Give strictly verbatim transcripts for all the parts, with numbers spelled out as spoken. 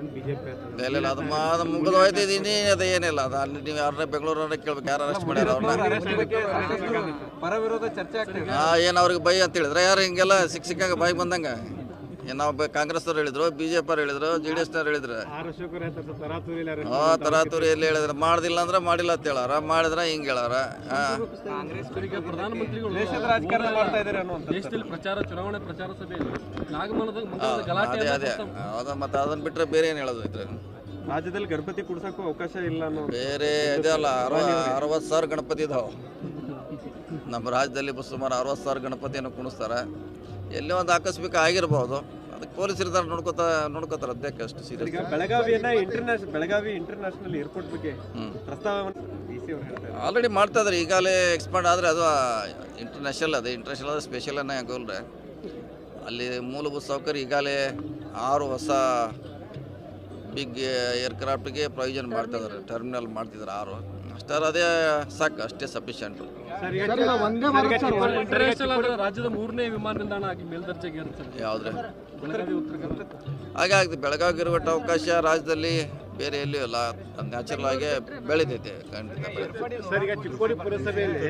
ಇಲ್ಲ ಇಲ್ಲ ಅದು ಮಾ ಅದು ಮುಗಿದು ಹೋಯ್ತಿದ್ದೀನಿ ಅದು ಏನಿಲ್ಲ ಅದು ಅಲ್ಲಿ ನೀವು ಯಾರನ್ನ ಬೆಂಗಳೂರನ್ನ ಕೇಳ್ಬೇಕು ಯಾರು ಅರೆಸ್ಟ್ ಮಾಡ್ಯಾರ ಅವ್ರನ್ನ ಪರ ವಿರೋಧ ಚರ್ಚೆ ಆಗ್ತದೆ. ಹಾಂ ಏನು ಅವ್ರಿಗೆ ಬೈ ಅಂತ ಹೇಳಿದ್ರೆ ಯಾರು ಹಿಂಗೆಲ್ಲ ಸಿಕ್ಕ ಸಿಕ್ಕಂಗೆ ಬಾಯಿ ಬಂದಂಗೆ ಏನು ನಾವು ಕಾಂಗ್ರೆಸ್ನವ್ರು ಹೇಳಿದ್ರು ಬಿ ಜೆ ಪಿ ಅವ್ರು ಹೇಳಿದ್ರು ಜೆ ಡಿ ಎಸ್ನವ್ರು ಹೇಳಿದ್ರು ಹಾಂ ತರಾತುರಿ ಎಲ್ಲಿ ಹೇಳಿದ್ರು ಮಾಡ್ದಿಲ್ಲ ಅಂದ್ರೆ ಮಾಡಿಲ್ಲ ಅಂತ ಹೇಳಾರ ಮಾಡಿದ್ರೆ ಹಿಂಗೆ ಹೇಳಾರ ಹಾಂ ಪ್ರಧಾನಮಂತ್ರಿಗಳು ದೇಶದ ರಾಜಕಾರಣ ಮಾಡ್ತಾ ಇದ್ದಾರೆ ಅನ್ನುವಂಥ ದೇಶದಲ್ಲಿ ಪ್ರಚಾರ ಚುನಾವಣೆ ಪ್ರಚಾರ ಸಭೆಯಲ್ಲಿ ನಾಗಮನದ ಗಲಾಟೆ ಅದೇ ಅದೇ ಹೌದಾ ಮತ್ತು ಅದನ್ನ ಬಿಟ್ಟರೆ ಬೇರೆ ಏನು ಹೇಳೋದು ಇದ್ರೆ ರಾಜ್ಯದಲ್ಲಿ ಗಣಪತಿ ಕುಡ್ಸಕ್ಕೂ ಅವಕಾಶ ಇಲ್ಲ ಅನ್ನೋ ಬೇರೆ ಇದೆ ಅಲ್ಲ ಅರವ ಅರವತ್ತು ಸಾವಿರ ಗಣಪತಿ ಇದಾವೆ ನಮ್ಮ ರಾಜ್ಯದಲ್ಲಿ ಸುಮಾರು ಅರವತ್ತು ಸಾವಿರ ಗಣಪತಿಯನ್ನು ಕುಣಿಸ್ತಾರೆ ಎಲ್ಲೇ ಒಂದು ಆಕಸ್ಮಿಕ ಆಗಿರ್ಬೋದು ಅದಕ್ಕೆ ಪೊಲೀಸರು ಇದ್ದಾರೆ ನೋಡ್ಕೋತಾ ನೋಡ್ಕೋತಾರೆ ಅದಕ್ಕೆ ಅಷ್ಟು ಸೀರಿಯಸ್. ಈಗ ಬೆಳಗಾವಿಯನ್ನ ಇಂಟರ್ನ್ಯಾಷನಲ್ ಬೆಳಗಾವಿ ಇಂಟರ್ನ್ಯಾಷನಲ್ ಏರ್ಪೋರ್ಟ್ ಬಗ್ಗೆ ಪ್ರಸ್ತಾವವನ್ನು ಡಿ ಸಿ ಅವರು ಹೇಳ್ತಾರೆ. ಆಲ್ರೆಡಿ ಮಾಡ್ತಾ ಇದ್ದಾರೆ ಈಗಾಗಲೇ ಎಕ್ಸ್ಪಾಂಡ್ ಆದರೆ ಅದು ಇಂಟರ್ನ್ಯಾಷನಲ್ ಅದು ಇಂಟರ್ನ್ಯಾಷನಲ್ ಆದರೆ ಸ್ಪೆಷಲ್ ಅನ್ನೋ ಯಾಕೋಲ್ರೆ ಅಲ್ಲಿ ಮೂಲಭೂತ ಸೌಕರ್ಯ ಈಗಾಗಲೇ ಆರು ಹೊಸ ಬಿಗ್ ಏರ್ಕ್ರಾಫ್ಟ್ಗೆ ಪ್ರೊವಿಷನ್ ಮಾಡ್ತಾ ಇದ್ದಾರೆ ಟರ್ಮಿನಲ್ ಮಾಡ್ತಿದ್ದಾರೆ ಆರು ಅಷ್ಟಾರ ಅದೇ ಸಾಕು ಅಷ್ಟೇ ಸಫಿಷಿಯಂಟು. ಇಂಟರ್ನ್ಯಾಷನಲ್ ರಾಜ್ಯದ ಮೂರನೇ ವಿಮಾನ ನಿಲ್ದಾಣ ಆಗಿ ಮೇಲ್ದರ್ಜೆಗೆ ಏರುತ್ತದೆ ಯಾವುದ್ರೆ ಬೆಳಗಾವಿ ಉತ್ತರ ಕನ್ನಡ ಹಾಗೆ ಆಗ್ತದೆ ಬೆಳಗಾವಿಗೆ ಇರುವಟ್ಟು ಅವಕಾಶ ರಾಜ್ಯದಲ್ಲಿ ಬೇರೆ ಎಲ್ಲಿಯೂ ಇಲ್ಲ ಅದು ನ್ಯಾಚುರಲ್ ಆಗಿ ಬೆಳೀತೈತೆ ಖಂಡಿತ ಬೆಳೀತೈತೆ. ಸರ್ ಈಗ ಚಿಕ್ಕೋಡಿ ಪುರಸಭೆಯಲ್ಲಿ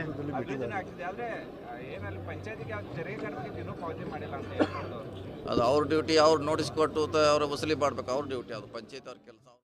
ಅದು ಅವ್ರ ಡ್ಯೂಟಿ ಅವ್ರು ನೋಟಿಸ್ ಕೊಟ್ಟು ಅವ್ರ ವಸೂಲಿ ಮಾಡ್ಬೇಕು ಅವ್ರ ಡ್ಯೂಟಿ ಅದು ಪಂಚಾಯತ್ ಅವ್ರ ಕೆಲಸ.